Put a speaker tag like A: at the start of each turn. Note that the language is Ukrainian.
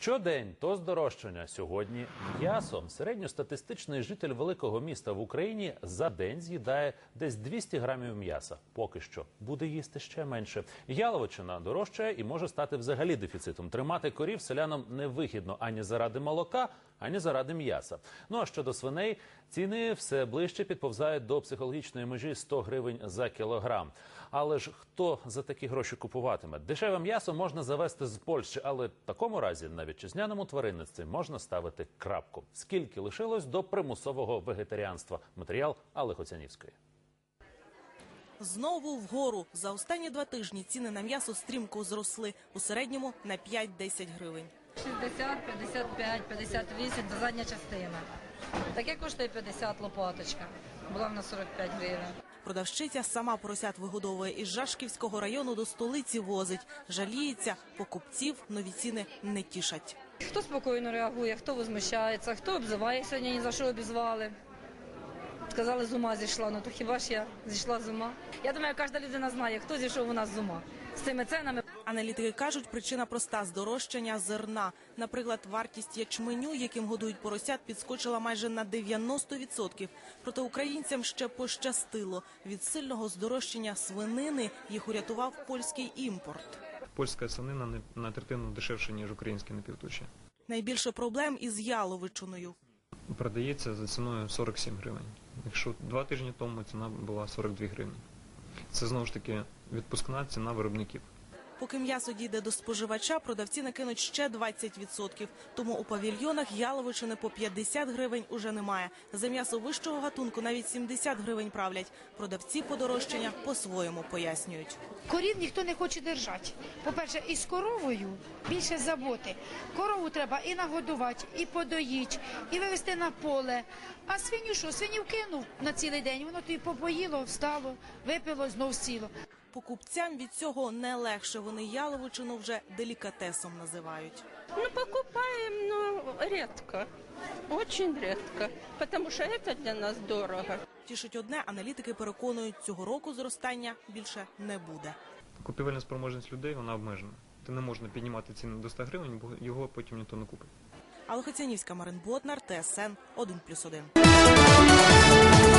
A: Щодень то здорожчання, сьогодні м'ясо. Середньостатистичний житель великого міста в Україні за день з'їдає десь 200 грамів м'яса. Поки що буде їсти ще менше. Яловичина дорожчає і може стати взагалі дефіцитом. Тримати корів селянам невигідно ані заради молока, ані заради м'яса. Ну а щодо свиней, ціни все ближче підповзають до психологічної межі 100 гривень за кілограм. Але ж хто за такі гроші купуватиме? Дешеве м'ясо можна завезти з Польщі, але в такому разі на вітчизняному тваринництві можна ставити крапку. Скільки лишилось до примусового вегетаріанства? Матеріал Алли Хоцянівської.
B: Знову вгору. За останні 2 тижні ціни на м'ясо стрімко зросли. У середньому на 5-10 гривень.
C: 60, 55, 58 – це задня частина. Таке коштує 50 лопаточка. Була в нас 45 гривень.
B: Продавщиця сама поросят вигодовує, із Жашківського району до столиці возить. Жаліється, покупців нові ціни не тішать.
C: Хто спокійно реагує, хто возмущається, хто обзиває, сьогодні ні за що обізвали. Сказали, з ума зійшла, ну то хіба ж я зійшла з ума? Я думаю, кожна людина знає, хто зійшов у нас з ума. З цими ценами.
B: Аналітики кажуть, причина проста – здорожчання зерна. Наприклад, вартість ячменю, яким годують поросят, підскочила майже на 90%. Проте українцям ще пощастило. Від сильного здорожчання свинини їх урятував польський імпорт.
D: Польська свинина на третину дешевше, ніж українські напівтуші.
B: Найбільше проблем із яловичиною.
D: Продається за ціною 47 гривень. Якщо 2 тижні тому ціна була 42 гривні. Це, знову ж таки, відпускна ціна виробників.
B: Поки м'ясо дійде до споживача, продавці накинуть ще 20%. Тому у павільйонах яловичини по 50 гривень уже немає. За м'ясо вищого гатунку навіть 70 гривень правлять. Продавці подорожчання по-своєму пояснюють.
E: Корів ніхто не хоче держати. По-перше, із коровою більше заботи. Корову треба і нагодувати, і подоїти, і вивезти на поле. А свиню що? Свиню вкинув на цілий день, воно тобі попоїло, встало, випило, знов сіло.
B: Покупцям від цього не легше. Вони яловичину вже делікатесом називають.
F: Ну, покупаем, но редко. Очень редко. Потому что это для нас дорого.
B: Тішить одне, аналітики переконують, цього року зростання більше не буде.
D: Купівельна спроможність людей, вона обмежена. Ти не можна піднімати ціни до 100 гривень, бо його потім ніхто не купить.
B: Алла Хоцянівська, Марин Ботнар, ТСН 1+1.